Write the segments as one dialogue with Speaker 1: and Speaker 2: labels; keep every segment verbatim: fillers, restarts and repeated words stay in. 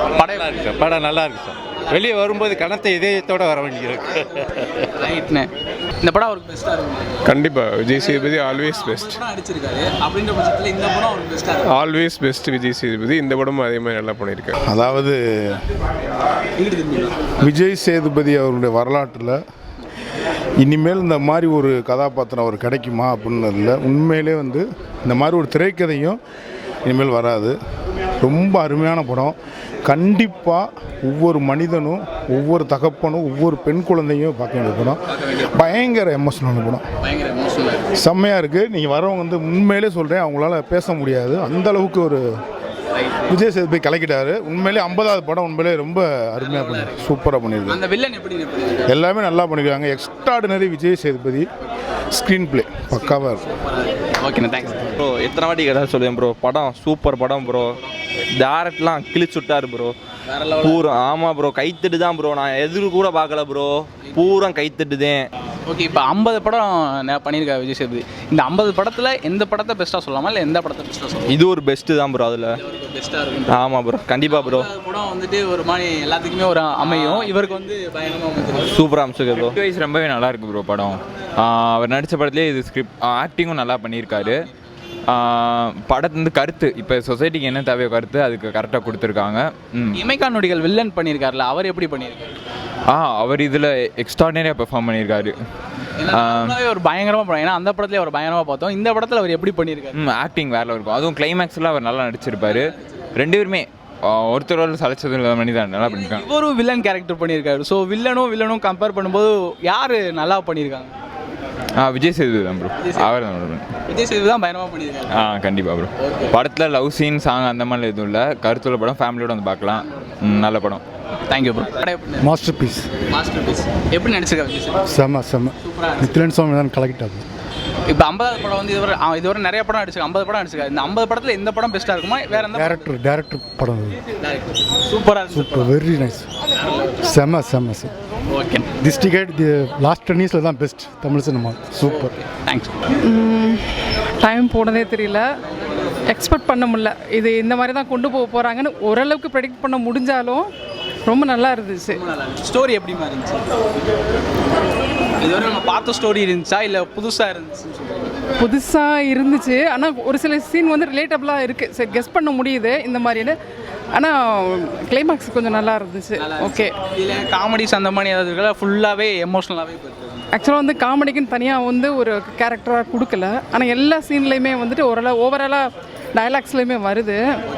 Speaker 1: படம் இருக்கு, படம் நல்லா இருக்கு சார். வெளியே வரும்போது கணத்தை இதயத்தோட வர வேண்டியிருக்கு.
Speaker 2: ரைட்ண்ணே. இந்த படம் அவருக்கு பெஸ்ட்டாக இருக்கும்.
Speaker 3: கண்டிப்பாக விஜய் சேதுபதி ஆல்வேஸ் பெஸ்ட்.
Speaker 2: அடிச்சிருக்காரு அப்படின்ற பட்சத்தில் இந்த படம் அவருக்கு பெஸ்ட்டாக இருக்கும்.
Speaker 3: Always best Vijay Sethupathi. இந்த படமும் அதே மாதிரி நல்லா பண்ணியிருக்காரு.
Speaker 4: அதாவது விஜய் சேதுபதி அவருடைய வரலாற்றில் இனிமேல் இந்த மாதிரி ஒரு கதாபாத்திரம் அவர் கிடைக்குமா அப்படின்னு இல்லை. உண்மையிலே வந்து இந்த மாதிரி ஒரு திரைக்கதையும் இனிமேல் வராது. ரொம்ப அருமையான படம். கண்டிப்பாக ஒவ்வொரு மனிதனும் ஒவ்வொரு தகப்பனும் ஒவ்வொரு பெண் குழந்தையும் பார்க்க வேண்டிய படம். பயங்கர எமோஷனல் படம், செம்மையாக இருக்குது. நீங்கள் வரவங்க வந்து உண்மையிலே சொல்கிறேன், அவங்களால பேச முடியாது, அந்த அளவுக்கு ஒரு விஜய் சேதுபதி கலக்கிட்டாரு. உண்மையிலே ஐம்பதாவது படம் உண்மையிலே ரொம்ப அருமையாக பண்ணி சூப்பராக பண்ணியிருக்காங்க.
Speaker 2: அந்த வில்லன் எப்படி
Speaker 4: எல்லாமே நல்லா பண்ணியிருக்காங்க. Extraordinary Vijay Sethupathi. Screenplay பக்காவாக இருக்கும்.
Speaker 2: ஓகேண்ணா, தேங்க்ஸ்
Speaker 5: ப்ரோ. எத்தனை வாட்டி கேட்டால் சொல்லுவேன் ப்ரோ, படம் சூப்பர் படம் ப்ரோ. டேரக்ட்லாம் கிழிச்சு விட்டார் ப்ரோ. பூரா ஆமாம் ப்ரோ, கைத்தட்டு தான் ப்ரோ. நான் எதிர்க்கு கூட பார்க்கல ப்ரோ, பூரா கைத்தட்டுதேன்.
Speaker 2: ஓகே, இப்போ ஐம்பது படம் பண்ணியிருக்காரு விஜய் சேதுபதி. இந்த ஐம்பது படத்தில் எந்த படத்தை பெஸ்ட்டாக சொல்லலாமா, இல்லை எந்த படத்தை பெஸ்ட்டாக சொல்லலாம்?
Speaker 5: இது ஒரு பெஸ்ட்டு தான் ப்ரோ. அதில்
Speaker 2: பெஸ்ட்டாக இருக்கும்.
Speaker 5: ஆமாம் ப்ரோ, கண்டிப்பாக ப்ரோ.
Speaker 2: படம் வந்துட்டு ஒரு மாதிரி எல்லாத்துக்குமே ஒரு அமையும். இவருக்கு வந்து பயங்கரமாக
Speaker 5: சூப்பராக அமைச்சிருக்கு ப்ரோ.
Speaker 6: வைஸ் ரொம்பவே நல்லா இருக்கு ப்ரோ படம். அவர் நடித்த படத்துலேயே இது ஸ்கிரிப்ட் ஆக்டிங்கும் நல்லா பண்ணியிருக்காரு. படத்து வந்து கருத்து, இப்போ சொசைட்டிக்கு என்ன தேவையோ கருத்து அதுக்கு கரெக்டாக கொடுத்துருக்காங்க.
Speaker 2: இமைக்கா நொடிகள் வில்லன் பண்ணியிருக்காருல, அவர் எப்படி பண்ணியிருக்காரு?
Speaker 6: ஆ அவர் இதில் எக்ஸ்ட்ராடினரியாக பெர்ஃபார்ம் பண்ணியிருக்காரு.
Speaker 2: ஒரு பயங்கரமாக படம். ஏன்னா அந்த படத்துலேயே அவர் பயங்கரமாக பார்த்தோம். இந்த படத்தில் அவர் எப்படி பண்ணியிருக்காரு?
Speaker 6: ம் ஆக்டிங் வேலை இருக்கும். அதுவும் கிளைமேக்ஸில் அவர் நல்லா நடிச்சிருப்பார். ரெண்டு பேருமே ஒருத்தரோட சலைச்சது இல்லை பண்ணி தான் நல்லா பண்ணியிருக்காங்க.
Speaker 2: இவரும் வில்லன் கேரக்டர் பண்ணியிருக்காரு. ஸோ வில்லனும் வில்லனும் கம்பேர் பண்ணும்போது யார் நல்லா பண்ணியிருக்காங்க?
Speaker 6: ஆ விஜய் சேதுபதி தான் ப்ரோ. அவர் தான்
Speaker 2: விஜய் சேதுபதி தான் பயங்கரமாக பண்ணியிருக்காரு.
Speaker 6: ஆ கண்டிப்பாக ப்ரோ. படத்தில் லவ் சீன் சாங் அந்த மாதிரி எதுவும் இல்லை. கருத்துள்ள படம், ஃபேமிலியோட வந்து பார்க்கலாம். நல்ல படம்.
Speaker 2: Thank you bro.
Speaker 4: Masterpiece.
Speaker 2: Masterpiece எப்படி நடிச்சிருக்காரு?
Speaker 4: செம்ம செம்ம. நித்யன் சுவாமி தான் கலக்கிட்டாரு.
Speaker 2: இப்போ ஐம்பதாவது படம் வந்து இதுவரை இதுவரை நிறைய படம் நடிச்சிருக்காரு. ஐம்பது படம் நடிச்சிருக்காரு. இந்த ஐம்பது படத்தில் எந்த படம் பெஸ்ட்டாக இருக்குமா, வேற எந்த
Speaker 4: டேரக்டர் டேரக்டர் படம்
Speaker 2: சூப்பராக
Speaker 4: சூப்பர், வெரி நைஸ், செம்ம செம்ம sir.
Speaker 2: Okay,
Speaker 4: this decade the last ten இயர்ஸில் தான் best Tamil cinema. Super,
Speaker 2: thanks.
Speaker 7: Time போனதே தெரியல, எக்ஸ்பெக்ட் பண்ண முடியல. இது இந்த மாதிரி தான் கொண்டு போக போகிறாங்கன்னு ஓரளவுக்கு ப்ரெடிக்ட் பண்ண முடிஞ்சாலும் ரொம்ப நல்லா இருந்துச்சு.
Speaker 2: ஸ்டோரி எப்படி இருந்துச்சு? இதுவரை நம்ம பார்த்த ஸ்டோரி இருந்துச்சா இல்லை புதுசாக இருந்துச்சு?
Speaker 7: புதுசாக இருந்துச்சு. ஆனால் ஒரு சில சீன் வந்து ரிலேட்டபிளாக இருக்குது. சரி, கெஸ் பண்ண முடியுது இந்த மாதிரின்னு. ஆனால் கிளைமேக்ஸ் கொஞ்சம் நல்லா இருந்துச்சு. ஓகே,
Speaker 2: இல்லை காமெடிஸ் அந்த மாதிரி ஏதாவது இருக்கா, ஃபுல்லாகவே எமோஷ்னலாகவே போயிருக்கு?
Speaker 7: ஆக்சுவலாக வந்து காமெடிக்குன்னு தனியாக வந்து ஒரு கேரக்டராக கொடுக்கல. ஆனால் எல்லா சீன்லேயுமே வந்துட்டு ஓரளவு ஓவராலாக டயலாக்ஸ்லேயுமே வருது.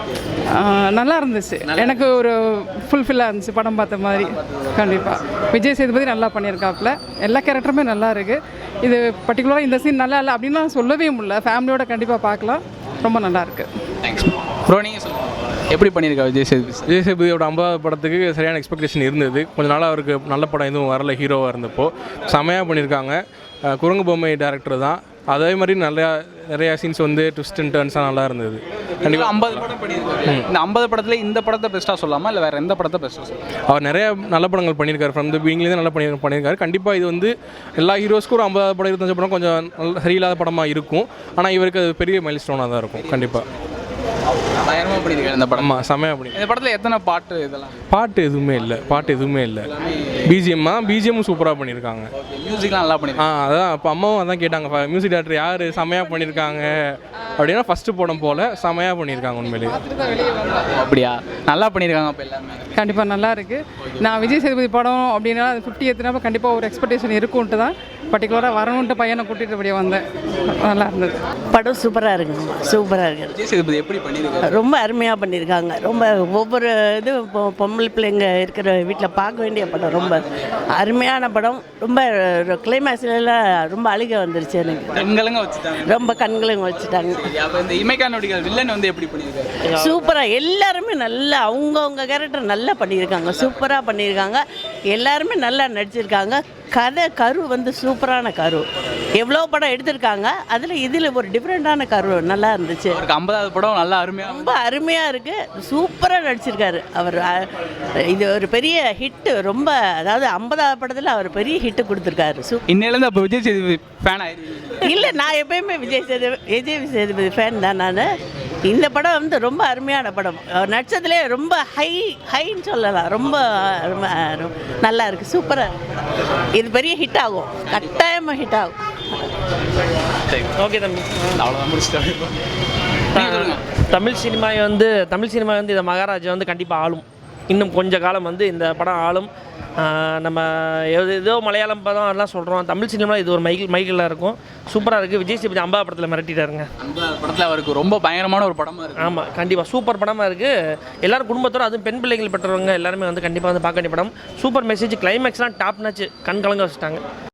Speaker 7: நல்லா இருந்துச்சு. எனக்கு ஒரு ஃபுல்ஃபில்லாக இருந்துச்சு படம் பார்த்த மாதிரி. கண்டிப்பாக விஜய் சேதுபதி நல்லா பண்ணியிருக்காப்புல. எல்லா கேரக்டருமே நல்லா இருக்குது. இது பர்டிகுலராக இந்த சீன் நல்லா இல்லை அப்படின்னா சொல்லவே முடியல. ஃபேமிலியோட கண்டிப்பாக பார்க்கலாம். ரொம்ப நல்லா இருக்குது.
Speaker 2: Thanks bro. நீங்கள் சொல்லுங்கள், எப்படி பண்ணியிருக்கா விஜய் சேதுபதி?
Speaker 8: விஜய் சேதுபதியோட ஐம்பது படத்துக்கு சரியான எக்ஸ்பெக்டேஷன் இருந்தது. கொஞ்சம் நாளாக அவருக்கு நல்ல படம் எதுவும் வரல ஹீரோவாக இருந்தப்போ. செமையாக பண்ணியிருக்காங்க. குரங்கு பொம்மை டேரக்டர் தான். அதே மாதிரி நிறையா நிறையா சீன்ஸ் வந்து ட்விஸ்ட் அண்ட் டர்ன்ஸாக நல்லா இருந்தது.
Speaker 2: கண்டிப்பாக ஐம்பது படம் பண்ணியிருக்காரு. இந்த ஐம்பது படத்தில் இந்த படத்தை பெஸ்ட்டாக சொல்லலாமா, இல்லை வேறு எந்த படத்தை பெஸ்ட்டாக சொல்லலாம்?
Speaker 8: அவர் நிறைய நல்ல படங்கள் பண்ணியிருக்காரு. ஃப்ரம் த பிகினிங்லேருந்து நல்லா பண்ணி பண்ணியிருக்காரு. கண்டிப்பாக இது வந்து எல்லா ஹீரோஸ்க்கும் ஒரு ஐம்பது படம் இருபத்தஞ்சு படம் கொஞ்சம் நல்ல சரியில்லாத படமாக இருக்கும். ஆனால் இவருக்கு அது பெரிய மைல் ஸ்டோனாக தான் இருக்கும். கண்டிப்பாக
Speaker 2: பயங்கரமாக பண்ணியிருக்காரு இந்த படம்.
Speaker 8: செமையாக பண்ணி.
Speaker 2: இந்த படத்தில் எத்தனை பாட்டு இதெல்லாம்?
Speaker 8: பாட்டு எதுவுமே இல்லை. பாட்டு எதுவுமே இல்லை. பிஜிஎம் தான். பிஜிஎம்மும் சூப்பராக பண்ணியிருக்காங்க.
Speaker 2: மியூசிக்லாம் நல்லா பண்ணியிருக்காங்க.
Speaker 8: ஆ அதான் இப்போ அம்மாவும் அதான் கேட்டாங்க, மியூசிக் டேரக்டர் யார் செமையாக பண்ணியிருக்காங்க அப்படின்னா ஃபஸ்ட்டு படம் போல் செமையாக பண்ணியிருக்காங்க உண்மையிலே.
Speaker 2: அப்படியா? நல்லா பண்ணியிருக்காங்க அப்போ எல்லாமே.
Speaker 7: கண்டிப்பாக நல்லா இருக்குது. நான் விஜய் சேதுபதி படம் அப்படின்னா அது ஃபிஃப்டி எத்துனாப்போ கண்டிப்பாக ஒரு எக்ஸ்பெக்டேஷன் இருக்குன்ட்டு தான் பர்டிகுலராக வரணுன்ட்டு பையனை கூட்டிகிட்டு அப்படியே வந்தேன். நல்லா இருந்தது.
Speaker 9: படம் சூப்பராக இருக்குங்க. சூப்பராக இருக்குது.
Speaker 2: விஜய் சேதுபதி எப்படி பண்ணியிருக்காங்க?
Speaker 9: ரொம்ப அருமையாக பண்ணியிருக்காங்க. ரொம்ப ஒவ்வொரு இது பொம்பளை பிள்ளைங்க இருக்கிற வீட்டில் பார்க்க வேண்டிய படம். ரொம்ப அருமையான படம். ரொம்ப கிளைமேக்ஸ்லாம் ரொம்ப அழுக வந்துருச்சு எனக்கு.
Speaker 2: கண்களுங்க வச்சுட்டாங்க.
Speaker 9: ரொம்ப கண்களுங்க வச்சுட்டாங்க.
Speaker 2: அப்போ இந்த இமைக்கா நொடிகள் வில்லன் வந்து எப்படி பண்ணியிருக்காரு?
Speaker 9: சூப்பராக எல்லாருமே நல்லா அவங்கவுங்க கேரக்டர் நல்லா பண்ணியிருக்காங்க. சூப்பராக பண்ணியிருக்காங்க. எல்லாருமே நல்லா நடிச்சிருக்காங்க. கதை கரு வந்து சூப்பரான கரு. எவ்வளோ படம் எடுத்திருக்காங்க, அதில் இதில் ஒரு டிஃப்ரெண்ட்டான கரு நல்லா இருந்துச்சு.
Speaker 2: அவருக்கு ஐம்பதாவது படம் நல்லா அருமையாக
Speaker 9: ரொம்ப அருமையாக இருக்குது. சூப்பராக நடிச்சிருக்காரு அவர். இது ஒரு பெரிய ஹிட்டு. ரொம்ப அதாவது ஐம்பதாவது படத்தில் அவர் பெரிய ஹிட்டு கொடுத்துருக்காரு. சூ
Speaker 2: இன்னிலேருந்து அப்போ விஜய் சேதுபதி ஃபேன் ஆயிடுவீங்க?
Speaker 9: இல்லை, நான் எப்பயுமே விஜய் சேதுபதி விஜய் சேதுபதி ஃபேன் தான். நான் இந்த படம் வந்து ரொம்ப அருமையான படம். நட்சத்திலே ரொம்ப ஹை ஹைன்னு சொல்லலாம். ரொம்ப ரொம்ப ரொம்ப நல்லா இருக்குது, சூப்பராக. இது பெரிய ஹிட் ஆகும், கட்டாயமாக ஹிட் ஆகும்.
Speaker 10: ஓகே தம்பி,
Speaker 2: அவ்வளோதான் முடிச்சுட்டு
Speaker 10: தமிழ் சினிமா வந்து தமிழ் சினிமா வந்து இந்த மகாராஜா வந்து கண்டிப்பாக ஆளும். இன்னும் கொஞ்ச காலம் வந்து இந்த படம் ஆளும். நம்ம எது ஏதோ மலையாளம் படம் எல்லாம் சொல்கிறோம், தமிழ் சினிமா இது ஒரு மைக்கிள் மைக்கிளில் இருக்கும். சூப்பராக இருக்குது. விஜய் சேதுபதி அம்பா படத்தில் மிரட்டிட்டாருங்க.
Speaker 2: அந்த படத்தில் அவருக்கு ரொம்ப பயங்கரமான ஒரு படமாக இருக்குது.
Speaker 10: ஆமாம், கண்டிப்பாக சூப்பர் படமாக இருக்குது. எல்லோரும் குடும்பத்தோடு, அதுவும் பெண் பிள்ளைகள் பெற்றவங்க எல்லாருமே வந்து கண்டிப்பாக வந்து பார்க்க வேண்டிய படம். சூப்பர் மெசேஜ், கிளைமேக்ஸ்லாம் டாப் நாச்சு, கண் கலங்க வச்சுட்டாங்க.